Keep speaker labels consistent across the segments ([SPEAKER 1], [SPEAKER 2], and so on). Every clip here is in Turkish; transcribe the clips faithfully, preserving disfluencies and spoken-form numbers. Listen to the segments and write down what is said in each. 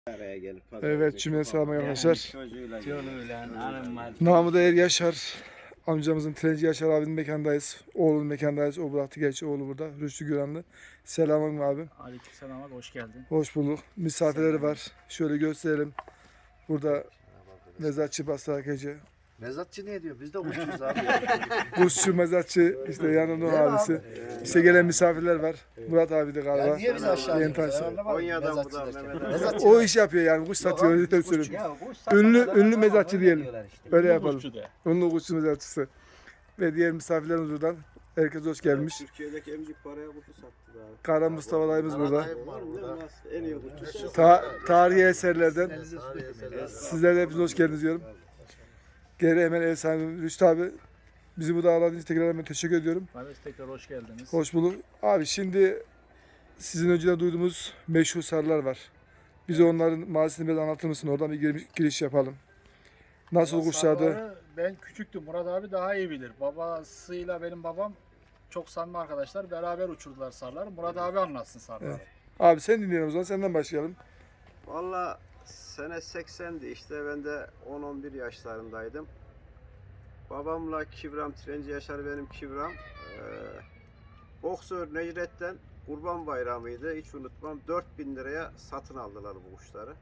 [SPEAKER 1] Araya gelip
[SPEAKER 2] Evet, cümle selam arkadaşlar.
[SPEAKER 1] Çocuğuyla
[SPEAKER 2] Namı değer Yaşar. Amcamızın Trenci Yaşar abinin mekandayız. Oğlunun mekandayız. O bıraktı gerçi oğlu burada. Rüştü Güranlı. Selamın abi.
[SPEAKER 3] Aleykümselam abi, hoş geldin.
[SPEAKER 2] Hoş bulduk. Misafirleri var. Şöyle gösterelim. Burada mezatçı Basra Gece.
[SPEAKER 4] Mezatçı ne diyor? Biz de kuşçuyuz abi.
[SPEAKER 2] Kuşçu mezatçı işte yanında o abisi. İşte gelen misafirler var. Murat abi de
[SPEAKER 4] Ya
[SPEAKER 2] galiba.
[SPEAKER 4] niye bizi aşağı
[SPEAKER 2] Yeni
[SPEAKER 4] iniyorsun?
[SPEAKER 2] tanesi.
[SPEAKER 4] Ben anlamadım.
[SPEAKER 1] Konya'dan
[SPEAKER 4] Mezatçı
[SPEAKER 1] buradan
[SPEAKER 4] derken.
[SPEAKER 1] Mehmet abi.
[SPEAKER 4] Mezatçı.
[SPEAKER 2] O iş yapıyor yani. Kuş satıyor. Öyle söyleyeyim. Ünlü ünlü mezatçı diyelim. Öyle yapalım.
[SPEAKER 3] Kuşçu de.
[SPEAKER 2] Ünlü kuşçu mezatçısı. Ve diğer misafirlerimiz buradan. Herkes hoş gelmiş.
[SPEAKER 1] Türkiye'deki emcik paraya kuşu sattı daha.
[SPEAKER 2] Kara Mustafa dayımız burada.
[SPEAKER 1] Var mı? Nasıl? En iyi kuşu.
[SPEAKER 2] Ta tarihi eserlerden sizlere de hepiniz hoş geldiniz diyorum. Geri hemen ev sahibi Rüştü abi. Bizi bu ağırladığınız için tekrar hemen teşekkür ediyorum.
[SPEAKER 3] Abi tekrar hoş geldiniz.
[SPEAKER 2] Hoş bulduk. Abi şimdi sizin önceden duyduğumuz meşhur sarılar var. Bize onların mazisini biraz anlatır mısın? Oradan bir giriş, giriş yapalım. Nasıl
[SPEAKER 3] Valla
[SPEAKER 2] kuşlardı?
[SPEAKER 3] sarıları Ben küçüktüm. Murat abi daha iyi bilir. Babasıyla benim babam çok samimi arkadaşlar. Beraber uçurdular sarıları. Murat abi anlatsın sarıları.
[SPEAKER 2] Evet. Abi sen dinleyelim o zaman. Senden başlayalım.
[SPEAKER 1] Valla sene seksendi işte, ben de on on bir yaşlarındaydım. Babamla Kibram, Trenci Yaşar benim Kibram. Ee, boksör Necret'ten Kurban Bayramı'ydı, hiç unutmam. dört bin liraya satın aldılar bu kuşları.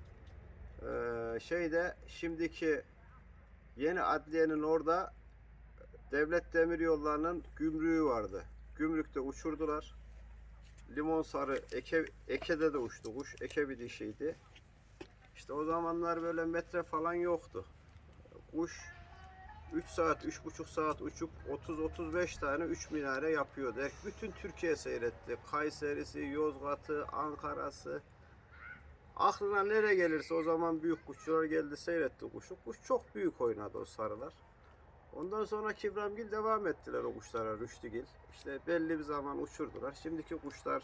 [SPEAKER 1] Ee, şeyde şimdiki yeni adliyenin orada Devlet Demiryolları'nın gümrüğü vardı. Gümrükte uçurdular. Limon sarı, eke, ekede de uçtu kuş. Eke bir dişiydi. İşte o zamanlar böyle metre falan yoktu. Kuş üç saat, üç buçuk saat uçup otuz otuz beş tane üç minare yapıyordu. Bütün Türkiye seyretti. Kayseri'si, Yozgat'ı, Ankara'sı. Aklına nereye gelirse o zaman büyük kuşçular geldi, seyretti kuşu. Kuş çok büyük oynadı o sarılar. Ondan sonra Kibramgil devam ettiler o kuşlara, Rüştügil. İşte belli bir zaman uçurdular. Şimdiki kuşlar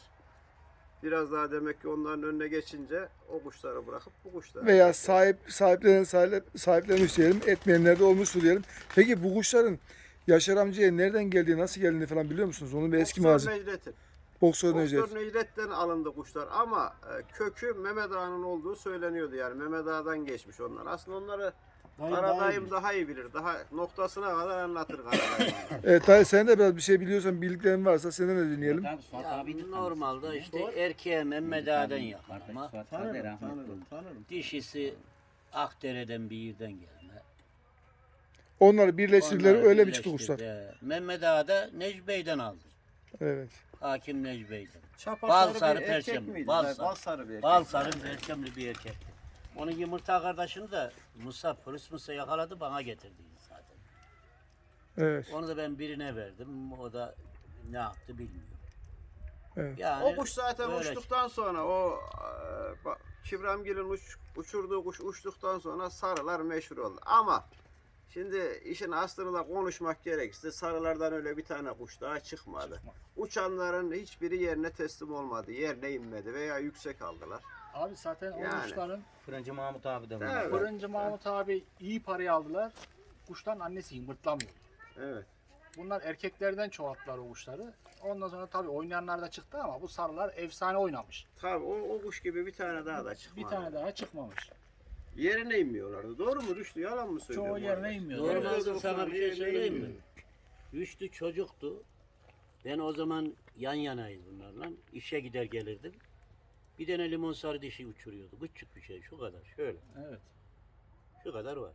[SPEAKER 1] biraz daha demek ki onların önüne geçince o kuşları bırakıp bu kuşları...
[SPEAKER 2] Veya sahip sahiplenen sahip, sahiplenmiş diyelim. Etmeyenler de olmuştur diyelim. Peki bu kuşların Yaşar amcaya nereden geldiği, nasıl geldiğini falan biliyor musunuz? Onun bir eski
[SPEAKER 1] Boksör
[SPEAKER 2] mazi.
[SPEAKER 1] Necdet'in.
[SPEAKER 2] Boksör Necdet.
[SPEAKER 1] Boksör Necdet'ten alındı kuşlar ama e, kökü Mehmet Ağa'nın olduğu söyleniyordu, yani Mehmet Ağa'dan geçmiş onlar. Aslında onları Karadayım daha iyi bilir. Daha noktasına kadar anlatır Karadayım.
[SPEAKER 2] Evet, Tahir sen de biraz bir şey biliyorsan, bildiklerin varsa senden de dinleyelim.
[SPEAKER 5] Ya, normalde işte erkeğe Mehmet Ağa'dan yakarma.
[SPEAKER 1] Tanırım, tanırım, tanırım.
[SPEAKER 5] Dişisi Akdere'den bir yerden gelme.
[SPEAKER 2] Onları birleştirdiler,
[SPEAKER 5] Onları
[SPEAKER 2] öyle mi çıktı
[SPEAKER 5] birleştirdi.
[SPEAKER 2] kuşlar?
[SPEAKER 5] He. Mehmet Ağa da Necip Bey'den aldı.
[SPEAKER 2] Evet.
[SPEAKER 5] Hakim Necip Bey'den.
[SPEAKER 1] Çapa
[SPEAKER 5] Bal
[SPEAKER 1] sarı
[SPEAKER 5] sarı
[SPEAKER 1] bir erkek
[SPEAKER 5] perçemli,
[SPEAKER 1] miydi?
[SPEAKER 5] bal
[SPEAKER 1] Bal
[SPEAKER 5] sarı.
[SPEAKER 1] sarı bir erkek.
[SPEAKER 5] Bal sarı perçemli bir erkekti. Onun yumurta kardeşini de Musa, polis Musa yakaladı, bana getirdi zaten.
[SPEAKER 2] Evet.
[SPEAKER 5] Onu da ben birine verdim. O da ne yaptı bilmiyorum.
[SPEAKER 2] Evet.
[SPEAKER 5] Yani
[SPEAKER 1] O kuş zaten
[SPEAKER 5] öyle
[SPEAKER 1] uçtuktan sonra o e, bak, Kibramgil'in uç, uçurduğu kuş uçtuktan sonra sarılar meşhur oldu. Ama şimdi işin aslını da konuşmak gerekirse sarılardan öyle bir tane kuş daha çıkmadı. Uçanların hiçbiri yerine teslim olmadı. Yerine inmedi veya yüksek aldılar.
[SPEAKER 3] Abi zaten o
[SPEAKER 1] Yani.
[SPEAKER 3] kuşların
[SPEAKER 5] Fırıncı Mahmut abi de
[SPEAKER 1] Evet.
[SPEAKER 3] Fırıncı Mahmut abi iyi parayı aldılar. Kuştan annesi yumurtlamıyor.
[SPEAKER 1] Evet.
[SPEAKER 3] Bunlar erkeklerden çoğalttılar o kuşları. Ondan sonra tabii oynayanlar da çıktı ama bu sarılar efsane oynamış.
[SPEAKER 1] Tabii o, o kuş gibi bir tane daha da çıkmadı.
[SPEAKER 3] Bir tane daha çıkmamış.
[SPEAKER 1] Yerine inmiyorlardı. Doğru mu Rüştü? Yalan mı söylüyorum?
[SPEAKER 3] Çoğu yerine inmiyor.
[SPEAKER 5] Normalde
[SPEAKER 1] Evet.
[SPEAKER 5] sana bir şey
[SPEAKER 1] Yerine
[SPEAKER 5] söyleyeyim mi?
[SPEAKER 1] inmiyor.
[SPEAKER 5] Rüştü çocuktu. Ben o zaman yan yanayız bunlarla. İşe gider gelirdim. Bir tane limon sarı dişi uçuruyordu. Küçük bir şey, şu kadar. Şöyle.
[SPEAKER 3] Evet.
[SPEAKER 5] Şu kadar var.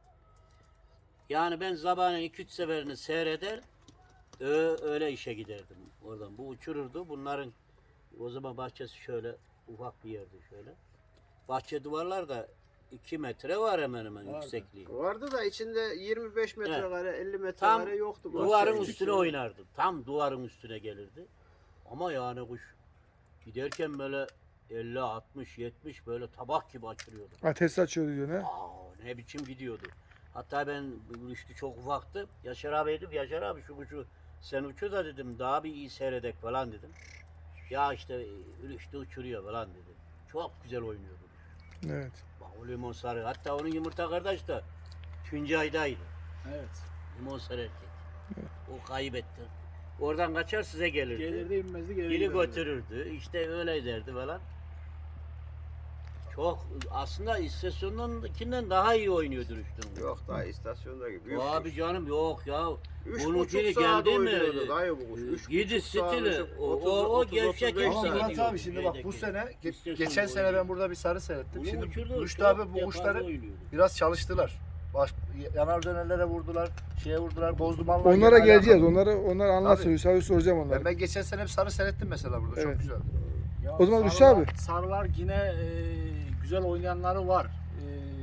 [SPEAKER 5] Yani ben sabahın iki üç seferini seyreder, ö- öyle işe giderdim oradan. Bu uçururdu. Bunların o zaman bahçesi şöyle ufak bir yerdi şöyle. Bahçe duvarlar da iki metre var hemen hemen
[SPEAKER 3] Vardı.
[SPEAKER 5] yüksekliği.
[SPEAKER 1] Vardı da içinde yirmi beş metrekare, elli
[SPEAKER 5] Tam
[SPEAKER 1] metrekare yoktu.
[SPEAKER 5] duvarın
[SPEAKER 1] Bahçenin
[SPEAKER 5] üstüne
[SPEAKER 1] içinde.
[SPEAKER 5] oynardı. Tam duvarın üstüne gelirdi. Ama yani kuş giderken böyle elli, altmış, yetmiş böyle tabak gibi açılıyordu.
[SPEAKER 2] Ateş açıyordu diyor ne?
[SPEAKER 5] Aa, ne biçim gidiyordu. Hatta ben Rüştü çok ufaktı. Yaşar abi dedim, Yaşar abi şu kuşu sen uçur da dedim, daha bir iyi seyredek falan dedim. Ya işte Rüştü uçuruyor falan dedi. Çok güzel oynuyordu.
[SPEAKER 2] Evet.
[SPEAKER 5] Bak o limon sarı. Hatta onun yumurta kardeş de Tuncay'daydı.
[SPEAKER 3] Evet.
[SPEAKER 5] Limon sarı erkek. O kaybetti. Oradan kaçar size gelirdi.
[SPEAKER 3] Gelirdi inmezdi gelirdi.
[SPEAKER 5] Biri götürürdü. İşte öyle derdi falan. Çok aslında istasyonundakinden daha iyi oynuyordur üstün.
[SPEAKER 1] Yok daha istasyonda gibi. Büyük
[SPEAKER 5] Abi
[SPEAKER 1] kuş.
[SPEAKER 5] canım yok ya.
[SPEAKER 1] Üç
[SPEAKER 5] Bunun
[SPEAKER 1] buçuk
[SPEAKER 5] biri
[SPEAKER 1] saat
[SPEAKER 5] geldi mi?
[SPEAKER 1] oynuyordu dayı bu kuş. Üç
[SPEAKER 5] Yedi
[SPEAKER 1] buçuk saat
[SPEAKER 5] stili.
[SPEAKER 1] uçup
[SPEAKER 5] O,
[SPEAKER 1] otuz,
[SPEAKER 5] o, o
[SPEAKER 1] otuz,
[SPEAKER 5] gevşek
[SPEAKER 1] otuz beş
[SPEAKER 5] gevşek
[SPEAKER 4] Ama
[SPEAKER 1] saat.
[SPEAKER 4] Murat
[SPEAKER 5] gidiyor.
[SPEAKER 4] abi şimdi bak bu
[SPEAKER 5] Şeydeki.
[SPEAKER 4] sene ge-
[SPEAKER 5] İstasyon
[SPEAKER 4] geçen sene
[SPEAKER 5] oynuyor.
[SPEAKER 4] ben burada bir sarı seyrettim.
[SPEAKER 5] Bunu
[SPEAKER 4] Şimdi
[SPEAKER 5] uçurdu,
[SPEAKER 4] Rüştü
[SPEAKER 5] çok
[SPEAKER 4] abi bu
[SPEAKER 5] yaparlı
[SPEAKER 4] kuşları
[SPEAKER 5] oynuyordu.
[SPEAKER 4] biraz çalıştılar. Baş, yanar dönerlere vurdular, şeye vurdular, bozdumanlar.
[SPEAKER 2] Onlara
[SPEAKER 4] gene
[SPEAKER 2] geleceğiz.
[SPEAKER 4] alakalı.
[SPEAKER 2] Onları onlar anlatsın.
[SPEAKER 4] Tabii.
[SPEAKER 2] Hüsavi soracağım onlara.
[SPEAKER 4] Ben, ben geçen sene bir sarı seyrettim mesela burada.
[SPEAKER 2] Evet.
[SPEAKER 4] Çok güzel.
[SPEAKER 3] Ya
[SPEAKER 2] O zaman Rüştü
[SPEAKER 3] sarılar-
[SPEAKER 2] abi.
[SPEAKER 3] Sarılar yine e, güzel oynayanları var. E,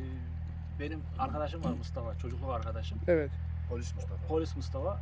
[SPEAKER 3] benim arkadaşım var Mustafa, çocukluk arkadaşım.
[SPEAKER 2] Evet.
[SPEAKER 4] Polis Mustafa.
[SPEAKER 3] Polis Mustafa.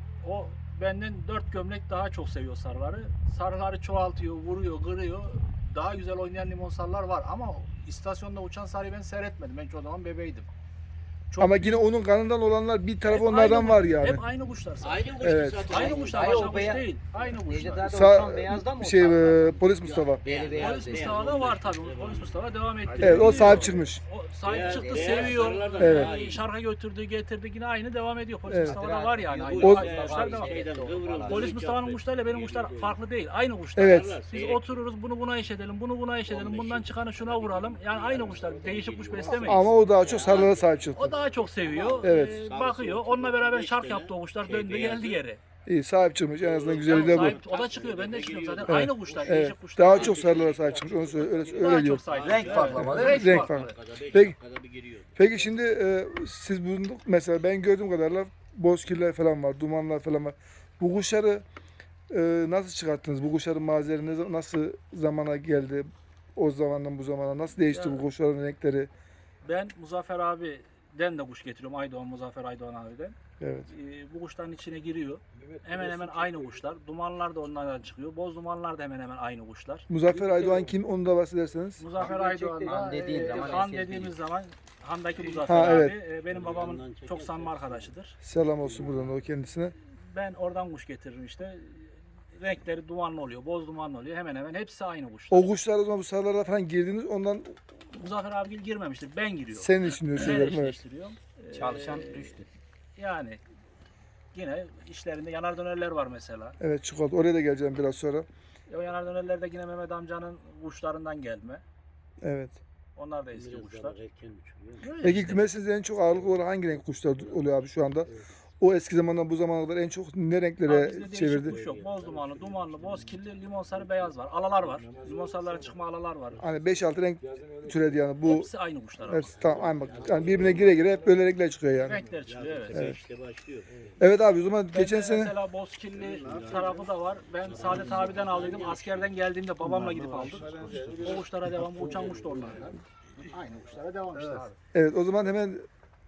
[SPEAKER 3] O benden dört gömlek daha çok seviyor sarıları. Sarıları çoğaltıyor, vuruyor, kırıyor. Daha güzel oynayan limon sarılar var ama istasyonda uçan sarıyı ben seyretmedim. Ben o zaman bebeydim. Çok
[SPEAKER 2] Ama yine onun kanından olanlar bir tarafı
[SPEAKER 3] hep
[SPEAKER 2] onlardan
[SPEAKER 3] aynı-
[SPEAKER 2] var yani.
[SPEAKER 3] Hep aynı kuşlar. sarı.
[SPEAKER 5] Aynı kuş
[SPEAKER 2] Evet.
[SPEAKER 5] zaten.
[SPEAKER 3] Aynı kuşlar,
[SPEAKER 6] Ay, o
[SPEAKER 3] başka kuş
[SPEAKER 6] beya-
[SPEAKER 3] değil. Aynı kuşlar.
[SPEAKER 6] Necdet abi
[SPEAKER 2] Sa-
[SPEAKER 6] uçan beyazdan mı
[SPEAKER 2] şey
[SPEAKER 6] uçan?
[SPEAKER 2] e, polis Mustafa.
[SPEAKER 6] Beyaz, beyaz,
[SPEAKER 3] Polis
[SPEAKER 6] beyaz.
[SPEAKER 3] Mustafa'da var tabii. Polis Mustafa devam etti.
[SPEAKER 2] Evet o sahip çıkmış.
[SPEAKER 3] O sahip
[SPEAKER 5] Beyaz-
[SPEAKER 3] çıktı,
[SPEAKER 5] beyaz
[SPEAKER 3] seviyor.
[SPEAKER 5] sarılardan
[SPEAKER 2] Evet.
[SPEAKER 5] daha iyi.
[SPEAKER 3] Şarka götürdü, getirdi yine aynı devam ediyor. Polis
[SPEAKER 2] Evet.
[SPEAKER 3] Mustafa'da var yani. Aynı
[SPEAKER 5] Bu
[SPEAKER 2] O-
[SPEAKER 3] kuşlar devam.
[SPEAKER 5] şeyden kıvrıldı.
[SPEAKER 3] Polis Mustafa'nın kuşlarıyla benim kuşlar farklı değil. Aynı kuşlar.
[SPEAKER 2] Evet.
[SPEAKER 3] Biz otururuz bunu buna eş edelim, bunu buna eş edelim, bundan çıkanı şuna vuralım. Yani aynı kuşlar. Değişik kuş beslemeyiz.
[SPEAKER 2] Ama o daha çok sarılara sahip çıktı.
[SPEAKER 3] O daha çok seviyor.
[SPEAKER 2] Evet.
[SPEAKER 3] Ee, bakıyor. Onunla beraber şark yaptı o kuşlar. Döndü geldi geri.
[SPEAKER 2] İyi sahip çıkmış. En azından güzeli de bu.
[SPEAKER 3] Sahip- o da çıkıyor. Ben de çıkıyorum zaten.
[SPEAKER 2] Evet.
[SPEAKER 3] Aynı kuşlar.
[SPEAKER 2] Evet.
[SPEAKER 3] Değişik kuşlar.
[SPEAKER 2] Daha çok sarılara sahip çıkmış. Onu söyle, öyle,
[SPEAKER 3] Daha
[SPEAKER 2] öyle diyor.
[SPEAKER 3] çok sahip.
[SPEAKER 4] Renk
[SPEAKER 3] Evet.
[SPEAKER 4] farklı ama değil mi?
[SPEAKER 3] Renk,
[SPEAKER 2] Renk
[SPEAKER 3] farklı.
[SPEAKER 2] farklı.
[SPEAKER 5] Dakikada beş
[SPEAKER 2] Peki.
[SPEAKER 5] dakikada bir giriyor.
[SPEAKER 2] Peki şimdi e, siz bulunduk mesela ben gördüğüm kadarıyla bozkirler falan var, dumanlar falan var. Bu kuşları e, nasıl çıkarttınız? Bu kuşların malzemeleri ne za- nasıl zamana geldi? O zamandan bu zamana nasıl değişti
[SPEAKER 3] Ya-
[SPEAKER 2] bu kuşların renkleri?
[SPEAKER 3] Ben Muzaffer abiden de kuş getiriyorum. Aydoğan, Muzaffer Aydoğan abiden.
[SPEAKER 2] Evet.
[SPEAKER 3] Ee, bu kuşların içine giriyor. Hemen hemen aynı kuşlar. Dumanlar da onlardan çıkıyor. Boz dumanlar da hemen hemen aynı kuşlar.
[SPEAKER 2] Muzaffer Aydoğan kim? Onu da bahsederseniz.
[SPEAKER 3] Muzaffer Aydoğan'da
[SPEAKER 6] Han dediğin
[SPEAKER 3] e,
[SPEAKER 6] zaman
[SPEAKER 3] Han
[SPEAKER 6] eski
[SPEAKER 3] dediğimiz zaman Han'daki Muzaffer
[SPEAKER 2] Ha, evet.
[SPEAKER 3] abi e, benim babamın çok samimi arkadaşıdır.
[SPEAKER 2] Selam olsun buradan o kendisine.
[SPEAKER 3] Ben oradan kuş getiririm işte. Renkleri dumanlı oluyor, boz dumanlı oluyor. Hemen hemen hepsi aynı kuşlar.
[SPEAKER 2] O kuşlar o zaman bu sarılara falan girdiniz ondan
[SPEAKER 3] Muzaffer abigil girmemiştir. Ben giriyorum.
[SPEAKER 2] senin için diyor
[SPEAKER 3] Ben
[SPEAKER 2] söylerim. Evet.
[SPEAKER 3] eşleştiriyorum. Ee,
[SPEAKER 6] Çalışan düştü.
[SPEAKER 3] Yani yine işlerinde yanar dönerler var mesela.
[SPEAKER 2] Evet çikolata. Oraya da geleceğim biraz sonra.
[SPEAKER 3] O yanar dönerler de yine Mehmet amcanın kuşlarından gelme.
[SPEAKER 2] Evet.
[SPEAKER 3] Onlar da eski
[SPEAKER 5] Biraz
[SPEAKER 3] kuşlar.
[SPEAKER 5] daha erken uçuruyor.
[SPEAKER 3] Böyle
[SPEAKER 2] Peki
[SPEAKER 3] işte.
[SPEAKER 2] kümesinizde en çok ağırlıklı olarak hangi renk kuşlar oluyor abi şu anda? O eski zamandan bu zamana kadar en çok ne
[SPEAKER 3] Abi
[SPEAKER 2] renklere
[SPEAKER 3] bizde değişik
[SPEAKER 2] çevirdi?
[SPEAKER 3] kuş yok. Boz dumanlı, dumanlı, boz kirli, limon sarı, beyaz var. Alalar var. Limon sarılara çıkma alalar var.
[SPEAKER 2] Hani beş altı renk türedi yani bu
[SPEAKER 3] Hepsi aynı kuşlar ama.
[SPEAKER 2] hepsi tamam aynı bak. Yani birbirine gire gire hep böyle renkler çıkıyor yani.
[SPEAKER 3] Renkler çıkıyor evet.
[SPEAKER 2] Evet.
[SPEAKER 5] İşte başlıyor.
[SPEAKER 2] Evet abi o zaman
[SPEAKER 3] Bende
[SPEAKER 2] geçen sene
[SPEAKER 3] mesela bozkirli tarafı da var. Ben Saadet abiden aldıydım. Askerden geldiğimde babamla gidip aldım. O kuşlara devam. Bu uçan kuş da onlardan. Aynı kuşlara devam işte abi.
[SPEAKER 2] evet o zaman hemen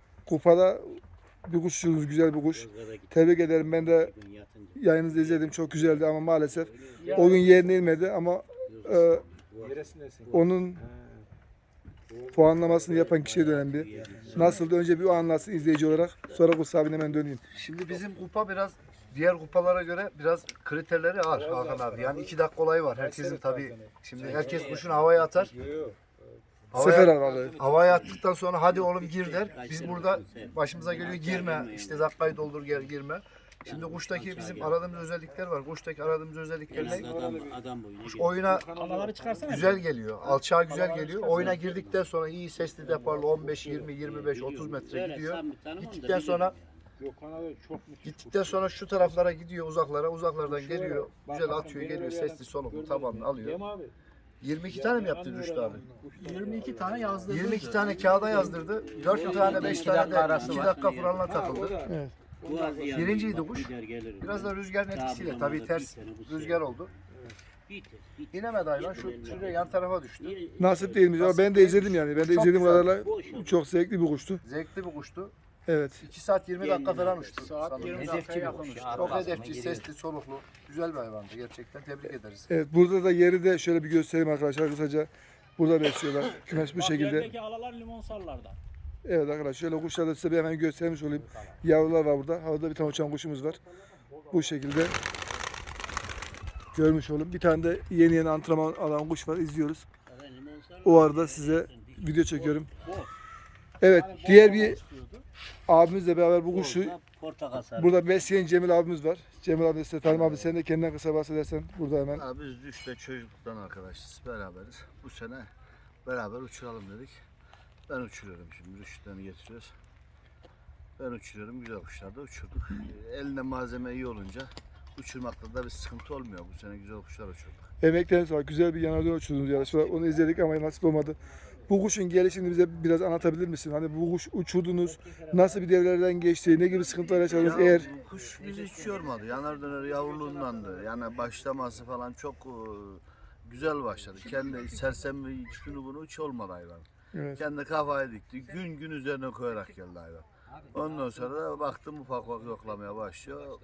[SPEAKER 2] kupada bir kuşçunuz güzel bir kuş. Tebrik ederim ben de yayınınızı izledim çok güzeldi ama maalesef o gün yerine inmedi ama e, onun puanlamasını yapan kişiye de önemli. Nasıldı önce bir o anlatsın izleyici olarak sonra Kuts abine hemen döneyim.
[SPEAKER 4] Şimdi bizim kupa biraz diğer kupalara göre biraz kriterleri ağır Hakan abi. Yani iki dakika olayı var. Herkesin tabii şimdi herkes kuşunu havaya atar.
[SPEAKER 2] Sefer
[SPEAKER 4] Havaya,
[SPEAKER 2] aralığı.
[SPEAKER 4] havaya attıktan sonra hadi oğlum gir der. Biz burada başımıza geliyor girme. İşte dakikayı doldur gel girme. Şimdi kuştaki bizim aradığımız özellikler var. Kuştaki aradığımız özellikler ne?
[SPEAKER 5] Adam, adam boyuna
[SPEAKER 4] Kuş
[SPEAKER 5] geliyor.
[SPEAKER 4] oyuna
[SPEAKER 3] Alaları çıkarsana.
[SPEAKER 4] güzel geliyor. Alçağa güzel geliyor. Oyuna girdikten sonra iyi sesli deparlı on beş, yirmi, yirmi beş, otuz metre
[SPEAKER 5] Söyle,
[SPEAKER 4] gidiyor.
[SPEAKER 5] sen bir tanım onu da
[SPEAKER 4] Gittikten
[SPEAKER 5] bir
[SPEAKER 4] sonra
[SPEAKER 5] de-
[SPEAKER 4] gittikten sonra şu taraflara gidiyor uzaklara. Uzaklardan geliyor. Güzel atıyor geliyor. Sesli soluklu tabanlı alıyor. yirmi iki tane mi yaptı Rüştü abi?
[SPEAKER 3] yirmi iki tane yazdırdı.
[SPEAKER 4] yirmi iki tane kağıda yazdırdı. dört tane beş tane de iki dakika kuralına takıldı.
[SPEAKER 5] Bu az yani
[SPEAKER 4] Birinciydi
[SPEAKER 5] bak,
[SPEAKER 4] kuş.
[SPEAKER 5] gider gelir.
[SPEAKER 4] Biraz da rüzgarın etkisiyle tabii ters rüzgar oldu.
[SPEAKER 5] Bitir, bitir.
[SPEAKER 4] İnemedi hayvan şu şuraya yan tarafa düştü.
[SPEAKER 2] Nasip değilmiş ama ben de izledim yani. Ben de
[SPEAKER 4] Çok
[SPEAKER 2] izlediğim
[SPEAKER 4] güzel.
[SPEAKER 2] kadarıyla çok zevkli bir kuştu.
[SPEAKER 4] Zevkli bir kuştu.
[SPEAKER 2] Evet.
[SPEAKER 4] iki saat yirmi dakika falan uçtu.
[SPEAKER 3] Saat
[SPEAKER 4] sanırım.
[SPEAKER 3] yirmi
[SPEAKER 6] Hedefçi
[SPEAKER 3] dakikaya
[SPEAKER 6] bir
[SPEAKER 3] yakın
[SPEAKER 6] kuş.
[SPEAKER 3] uçtu.
[SPEAKER 4] Çok
[SPEAKER 6] Arkasına
[SPEAKER 4] hedefçi,
[SPEAKER 6] giriyor.
[SPEAKER 4] sesli, soluklu. Güzel bir hayvandı gerçekten. Tebrik ederiz.
[SPEAKER 2] Evet burada da yeri de şöyle bir göstereyim arkadaşlar kısaca. Burada besliyorlar. Kümes bu
[SPEAKER 3] Bak,
[SPEAKER 2] şekilde.
[SPEAKER 3] yerdeki alalar limon sarılardan.
[SPEAKER 2] Evet arkadaşlar şöyle kuşları da size bir hemen göstermiş olayım. Yavrular var burada. Havada bir tane uçan kuşumuz var. Bu şekilde görmüş olun. Bir tane de yeni yeni antrenman alan kuş var. İzliyoruz. O arada size video çekiyorum. Evet diğer bir abimizle beraber bu kuşu
[SPEAKER 5] Portakal sarı.
[SPEAKER 2] burada besleyen Cemil abimiz var. Cemil abi size tanım abi sen de kendinden kısa bahsedersen burada hemen.
[SPEAKER 4] Abi biz Düş'te çocukluktan arkadaşız. Beraberiz. Bu sene beraber uçuralım dedik. Ben uçuruyorum şimdi. Rüştlerini getiriyoruz. Ben uçuruyorum. Güzel kuşlar da uçurduk. Elinde malzeme iyi olunca uçurmakta da bir sıkıntı olmuyor. Bu sene güzel kuşlar uçurduk.
[SPEAKER 2] Emekleriniz var. Güzel bir yanardağ uçurdunuz yarışmada. Onu izledik ama nasip olmadı. Bu kuşun gelişini bize biraz anlatabilir misin? Hani bu kuş uçurdunuz, nasıl bir devrelerden geçti, ne gibi sıkıntılar yaşadınız
[SPEAKER 4] Ya,
[SPEAKER 2] eğer...
[SPEAKER 4] bu kuş bizi hiç yormadı. Yanar döner yavruluğundandı. Yani başlaması falan çok e, güzel başladı. Kendi sersem şunu bunu hiç olmadı hayvan.
[SPEAKER 2] Evet.
[SPEAKER 4] Kendi kafaya dikti. Gün gün üzerine koyarak geldi hayvan. Ondan sonra da baktım ufak ufak yoklamaya başlıyor.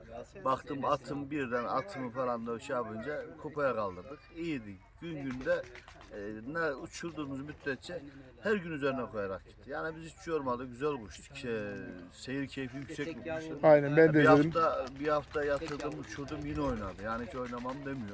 [SPEAKER 4] Baktım atım birden atımı falan da şey yapınca kupaya kaldırdık. İyiydi. Gün günde e, ne uçurduğumuz müddetçe her gün üzerine koyarak gitti. Yani biz hiç yormadı. Güzel kuştu. Şey, seyir keyfi yüksek bir kuştu.
[SPEAKER 2] Aynen ben de
[SPEAKER 4] Bir
[SPEAKER 2] izledim.
[SPEAKER 4] hafta, bir hafta yatırdım uçurdum yine oynadı. Yani hiç oynamam demiyor.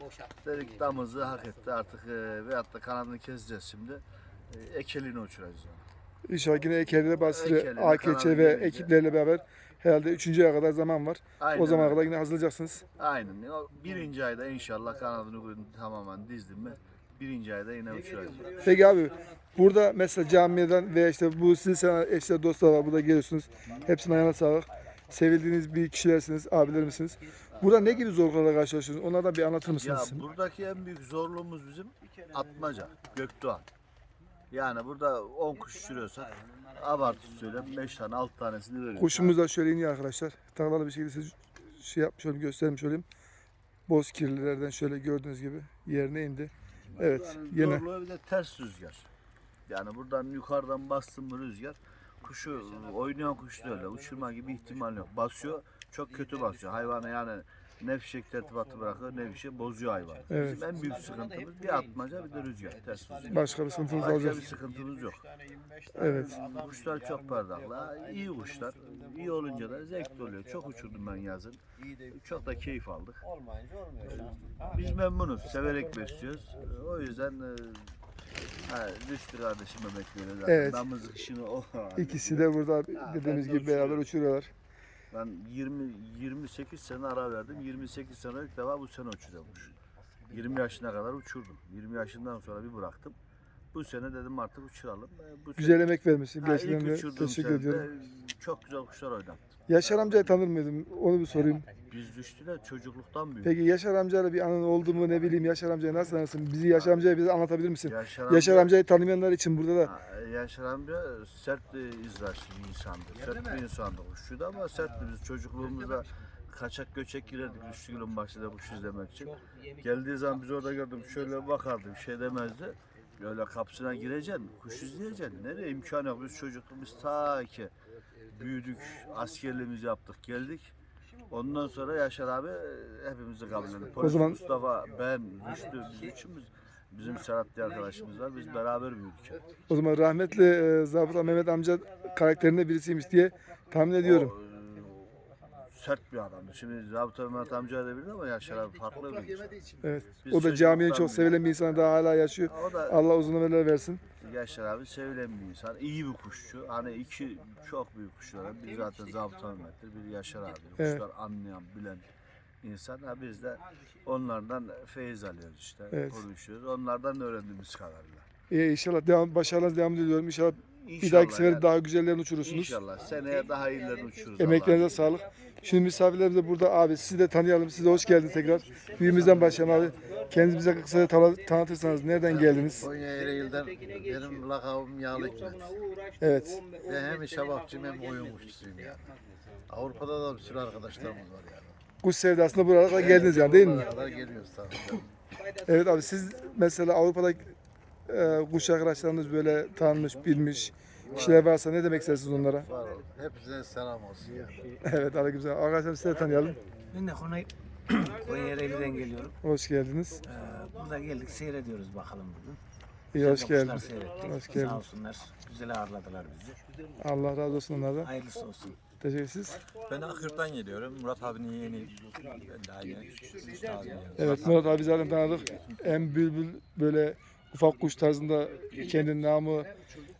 [SPEAKER 4] Dedik damızı hak etti artık e, veyahut da kanadını keseceğiz şimdi. E, ekeliğini uçuracağız. Yani.
[SPEAKER 2] İnşallah yine Ekeli, Basri,
[SPEAKER 4] Ekeli,
[SPEAKER 2] A K Ç
[SPEAKER 4] Kanadı
[SPEAKER 2] ve
[SPEAKER 4] gelince.
[SPEAKER 2] ekiplerle beraber herhalde üçüncü aya kadar zaman var.
[SPEAKER 4] Aynen
[SPEAKER 2] O zamana
[SPEAKER 4] öyle.
[SPEAKER 2] kadar yine hazırlayacaksınız.
[SPEAKER 4] Aynen. O birinci ayda inşallah kanadını tamamen dizdim mi birinci ayda yine uçuracağız.
[SPEAKER 2] Peki abi burada mesela camiden veya işte bu sizin sana eşler dostlar var burada geliyorsunuz. Hepsinin ayağına sağlık. Sevildiğiniz bir kişilersiniz, abilerimsiniz. Burada ne gibi zorluklarla karşılaşıyorsunuz? Onlardan bir anlatır
[SPEAKER 4] Ya
[SPEAKER 2] mısınız?
[SPEAKER 4] buradaki en büyük zorluğumuz bizim atmaca, Gökdoğan. Yani burada on kuş uçuruyorsak abartı söyleyeyim beş tane altı tanesini veriyoruz.
[SPEAKER 2] Kuşumuz da şöyle iniyor arkadaşlar. Tarlalı bir şekilde size şey yapmış olayım, göstermiş olayım. Boz kirlilerden şöyle gördüğünüz gibi yerine indi. Evet,
[SPEAKER 4] Yani
[SPEAKER 2] yine
[SPEAKER 4] zorluğu bir de ters rüzgar. Yani buradan yukarıdan bastım mı rüzgar, kuşu oynayan kuş da öyle uçurma gibi ihtimal yok. Basıyor, çok kötü basıyor. Hayvanı yani ne fişek tertibatı bırakıyor ne bir şey bozuyor hayvanı.
[SPEAKER 2] Evet.
[SPEAKER 4] Bizim en büyük sıkıntımız bir atmaca bir de rüzgar, ters rüzgar.
[SPEAKER 2] başka bir sıkıntımız
[SPEAKER 4] Başka
[SPEAKER 2] olacak.
[SPEAKER 4] bir sıkıntımız yok.
[SPEAKER 2] Evet.
[SPEAKER 4] Kuşlar çok pardaklı, iyi kuşlar. İyi olunca da zevkli oluyor. Çok uçurdum ben yazın. Çok da keyif aldık. Biz memnunuz, severek besliyoruz. O yüzden e, ha, Rüştü kardeşim emekliyor zaten.
[SPEAKER 2] Evet.
[SPEAKER 4] Damızlık işini o.
[SPEAKER 2] İkisi de burada dediğimiz gibi beraber uçuruyorlar.
[SPEAKER 4] Ben yirmi yirmi sekiz sene ara verdim. yirmi sekiz sene ilk defa bu sene uçuruyormuş. yirmi yaşına kadar uçurdum. yirmi yaşından sonra bir bıraktım. Bu sene dedim artık uçuralım. E, Bu
[SPEAKER 2] Güzel emek vermişsin.
[SPEAKER 4] Ha,
[SPEAKER 2] Gerçekten
[SPEAKER 4] ilk
[SPEAKER 2] de
[SPEAKER 4] uçurduğum
[SPEAKER 2] teşekkür
[SPEAKER 4] sene
[SPEAKER 2] ediyorum.
[SPEAKER 4] de çok güzel kuşlar oynattım.
[SPEAKER 2] Yaşar amcayı tanır mıydın? Onu bir sorayım.
[SPEAKER 4] Biz Rüştü'yle çocukluktan büyüdük.
[SPEAKER 2] Peki Yaşar amcayla bir anın oldu mu ne bileyim Yaşar amcayı nasıl tanırsın? Bizi Yaşar amcayı bize anlatabilir misin?
[SPEAKER 4] Yaşar,
[SPEAKER 2] Yaşar
[SPEAKER 4] amca-
[SPEAKER 2] amcayı tanımayanlar için burada da
[SPEAKER 4] Ha, Yaşar amca sert bir izraçlı bir insandı. Sert bir insandı kuşçuydu ama sertti. Biz çocukluğumuzda kaçak göçek girerdik Rüştü Gül'ün bahçede kuş izlemek için. Geldiği zaman biz orada gördüm şöyle bakardı bir şey demezdi. Öyle kapısına gireceksin, kuş izleyeceksin. Nereye imkan yok. Biz çocukluğumuz ta ki büyüdük, askerliğimizi yaptık, geldik. Ondan sonra Yaşar abi hepimizi kabullendi. Polis
[SPEAKER 2] zaman-
[SPEAKER 4] Mustafa, ben, Rüştü, biz üçümüz, bizim Serhat diye arkadaşımız var. Biz beraber büyüdük.
[SPEAKER 2] o zaman rahmetli e, Zabıta Mehmet amca karakterinde birisiymiş diye tahmin ediyorum.
[SPEAKER 4] O, e, sert bir adamdı. Şimdi Zabıta Mehmet amca da bilir ama Yaşar abi farklı bir insan.
[SPEAKER 2] Evet.
[SPEAKER 4] Biz
[SPEAKER 2] O da caminin
[SPEAKER 4] çocukluktan
[SPEAKER 2] çok sevilen bir insan daha hala yaşıyor.
[SPEAKER 4] O da
[SPEAKER 2] Allah uzun ömürler versin.
[SPEAKER 4] Yaşar abi sevilen bir insan. İyi bir kuşçu. Hani iki çok büyük kuşlar. var. Bir zaten Zabıta Mehmet'tir. Bir Yaşar abi.
[SPEAKER 2] Evet.
[SPEAKER 4] Kuşlar anlayan, bilen insan. Ha, biz de onlardan feyiz alıyoruz işte.
[SPEAKER 2] Evet.
[SPEAKER 4] Konuşuyoruz. Onlardan öğrendiğimiz kadarıyla.
[SPEAKER 2] İyi inşallah devam, başarılarınız devam ediyorum. İnşallah bir
[SPEAKER 4] İnşallah
[SPEAKER 2] dahaki sefer
[SPEAKER 4] yani.
[SPEAKER 2] daha güzellerini uçurursunuz.
[SPEAKER 4] İnşallah. Seneye daha iyilerini uçururuz.
[SPEAKER 2] Emeklerinize
[SPEAKER 4] Allah'ın
[SPEAKER 2] sağlık. Şimdi misafirlerimiz de burada abi. Sizi de tanıyalım. Siz de hoş geldiniz tekrar. Büyüğümüzden başlayalım abi. Kendinizi bize kısaca tanı- tanıtırsanız nereden geldiniz?
[SPEAKER 6] Konya Ereğli'den benim lakabım Yağlı Hikmet.
[SPEAKER 2] Evet.
[SPEAKER 6] Ve hem şabakçıyım hem oyun kuşçusuyum yani. Avrupa'da da bir sürü arkadaşlarımız var yani.
[SPEAKER 2] Kuş sevdasına buraya kadar geldiniz yani değil mi?
[SPEAKER 6] Buraya kadar geliyoruz tabii.
[SPEAKER 2] Evet abi siz mesela Avrupa'da e, kuş arkadaşlarınız böyle tanımış, bilmiş kişiler varsa ne demek istersiniz onlara?
[SPEAKER 6] Var olun. Hepsine selam olsun yani.
[SPEAKER 2] Evet aleykümselam. Arkadaşlar sizi de tanıyalım.
[SPEAKER 7] Ben de Konya, Konya Ereğli'den geliyorum.
[SPEAKER 2] Hoş geldiniz.
[SPEAKER 7] Ee, burada geldik seyrediyoruz bakalım bugün.
[SPEAKER 2] İyi hoş
[SPEAKER 7] Güzel
[SPEAKER 2] geldiniz.
[SPEAKER 7] kuşlar seyrettik.
[SPEAKER 2] Hoş geldiniz.
[SPEAKER 7] Sağ olsunlar. Güzel ağırladılar bizi.
[SPEAKER 2] Allah razı olsun onlardan.
[SPEAKER 7] Hayırlısı olsun.
[SPEAKER 2] Teşekkür ederiz.
[SPEAKER 8] Ben Akırt'tan geliyorum. Murat abinin yeğeni. Ben de aynı. Üstadın yani.
[SPEAKER 2] Evet Murat abi zaten tanıdık. En bülbül böyle ufak kuş tarzında kendi namı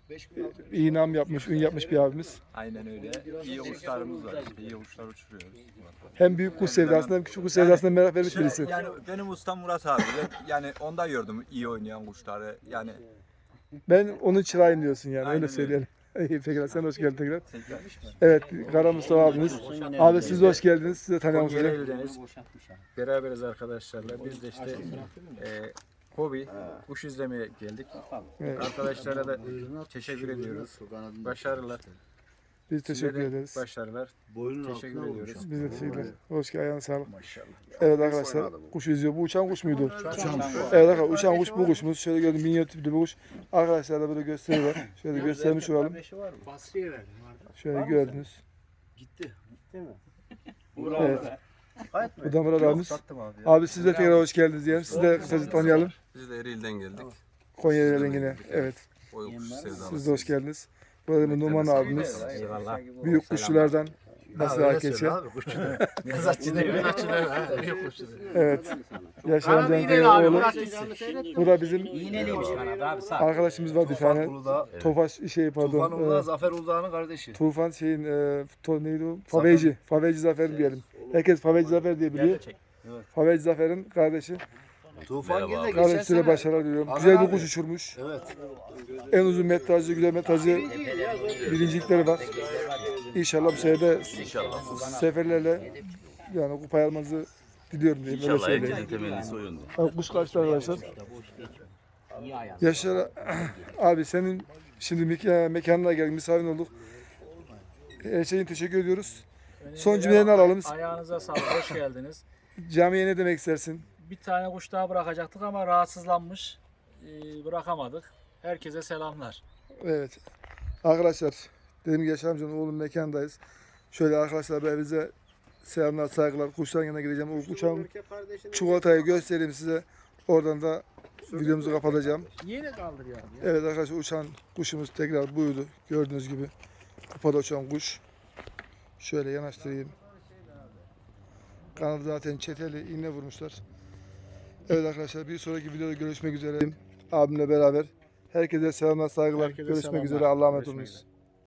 [SPEAKER 2] iyi nam yapmış, ün yapmış bir abimiz.
[SPEAKER 8] Aynen öyle. İyi kuşlarımız var. İşte iyi kuşlar uçuruyoruz.
[SPEAKER 2] Hem büyük kuş sevdasına hem küçük kuş sevdasına merak vermiş
[SPEAKER 8] Şöyle,
[SPEAKER 2] birisi.
[SPEAKER 8] yani benim ustam Murat abi. Ben, yani onda gördüm iyi oynayan kuşları. Yani
[SPEAKER 2] Ben onun çırağıyım diyorsun yani
[SPEAKER 8] Aynen
[SPEAKER 2] öyle
[SPEAKER 8] öyle.
[SPEAKER 2] söyleyelim. İyi peki sen hoş geldin tekrar.
[SPEAKER 8] tekrar.
[SPEAKER 2] Evet Kara Mustafa abimiz. Abi siz de hoş geldiniz. Siz de tanıyalım sizi.
[SPEAKER 9] Kocaeli'deniz. Beraberiz arkadaşlarla. Biz de işte e, hobi, kuş izlemeye geldik.
[SPEAKER 2] Evet,
[SPEAKER 9] Arkadaşlara da teşekkür ediyoruz. Başarılar.
[SPEAKER 2] biz teşekkür
[SPEAKER 9] Size de
[SPEAKER 2] ederiz.
[SPEAKER 9] Başarılar. Teşekkür ediyoruz.
[SPEAKER 2] Biz de teşekkürler. Hoş geldin. Ayağına sağlık.
[SPEAKER 6] Maşallah.
[SPEAKER 2] Evet arkadaşlar kuş izliyor. Bu uçan kuş muydu? Evet arkadaşlar uçan kuş bu kuşumuz. Şöyle gördüm minyatür bir kuş. Arkadaşlar da böyle gösteriyorlar. Şöyle göstermiş olalım.
[SPEAKER 3] Basriye verdim vardı.
[SPEAKER 2] Şöyle gördünüz.
[SPEAKER 3] Gitti.
[SPEAKER 2] Evet.
[SPEAKER 6] Gayet mi?
[SPEAKER 2] Bu da Murat
[SPEAKER 6] Yok,
[SPEAKER 2] abimiz.
[SPEAKER 6] sattım abi. ya.
[SPEAKER 2] Abi siz de tekrar hoş geldiniz diyelim. Siz de kısaca tanıyalım.
[SPEAKER 8] Biz de Ereğli'den geldik.
[SPEAKER 2] Konya rengine. Evet.
[SPEAKER 8] Oy kuş sevdalısı.
[SPEAKER 2] Siz de hoş geldiniz. Burada da Numan abimiz.
[SPEAKER 7] Eyvallah.
[SPEAKER 2] Büyük kuşçulardan.
[SPEAKER 6] Ha,
[SPEAKER 2] Nasıl
[SPEAKER 6] öyle
[SPEAKER 2] hak
[SPEAKER 6] söyle
[SPEAKER 2] geçiyor?
[SPEAKER 6] abi, kuşçu da. Kızatçı değil mi?
[SPEAKER 2] Evet. Yaşar
[SPEAKER 3] Abi
[SPEAKER 2] amcanın
[SPEAKER 3] yine abi
[SPEAKER 2] oğlu.
[SPEAKER 3] bırak gitsin.
[SPEAKER 2] Bu da bizim
[SPEAKER 7] İğneliymiş Kanada abi sağ.
[SPEAKER 2] arkadaşımız var bir
[SPEAKER 6] Tufan
[SPEAKER 2] tane.
[SPEAKER 6] Uludağ.
[SPEAKER 2] Tofaş şey
[SPEAKER 6] Tufan
[SPEAKER 2] pardon.
[SPEAKER 6] Uludağ,
[SPEAKER 2] e,
[SPEAKER 6] Zafer Uludağ'ın kardeşi.
[SPEAKER 2] Tufan şeyin e, to, neydi o? Faveci. Faveci Zafer diyelim. Herkes Faveci Zafer diye biliyor.
[SPEAKER 6] Evet.
[SPEAKER 2] Faveci Zafer'in kardeşi.
[SPEAKER 6] Tufan Gil de geçen
[SPEAKER 2] Kardeşine
[SPEAKER 6] sene.
[SPEAKER 2] başarılar diliyorum.
[SPEAKER 6] Aman
[SPEAKER 2] Güzel bir
[SPEAKER 6] abi.
[SPEAKER 2] kuş uçurmuş.
[SPEAKER 6] Evet.
[SPEAKER 2] En uzun metrajlı, güzel metrajlı birincilikleri var. İnşallah bu sene de seferlerle yani kupayı almanızı diliyorum diyeyim. Öyle söyleyeyim.
[SPEAKER 10] temennisi o yönde.
[SPEAKER 2] Abi kuş kaçtı arkadaşlar. Yaşar abi senin şimdi meka- mekanına geldik, misafirin olduk. Her şeyin teşekkür ediyoruz. Son cümlelerini alalım.
[SPEAKER 3] Ayağınıza sağlık. Hoş geldiniz.
[SPEAKER 2] Camiye ne demek istersin?
[SPEAKER 3] Bir tane kuş daha bırakacaktık ama rahatsızlanmış. Ee, bırakamadık. Herkese selamlar.
[SPEAKER 2] Evet. Arkadaşlar dediğim gibi Yaşar amcanın oğlum mekandayız. Şöyle arkadaşlar ben bize selamlar, saygılar. Kuşların yanına gideceğim. O uçağın çikolatayı göstereyim size. Oradan da videomuzu kapatacağım.
[SPEAKER 3] Yine kaldırıyor abi.
[SPEAKER 2] Evet arkadaşlar uçan kuşumuz tekrar buydu. Gördüğünüz gibi. Kupada uçan kuş. Şöyle yanaştırayım. Kanadı zaten çeteli iğne vurmuşlar. Evet arkadaşlar bir sonraki videoda görüşmek üzere. Abimle beraber. Herkese selamlar, saygılar.
[SPEAKER 3] Herkese
[SPEAKER 2] görüşmek
[SPEAKER 3] selamlar.
[SPEAKER 2] üzere. Allah'a emanet
[SPEAKER 3] Görüşmek
[SPEAKER 2] olunuz.
[SPEAKER 3] üzere.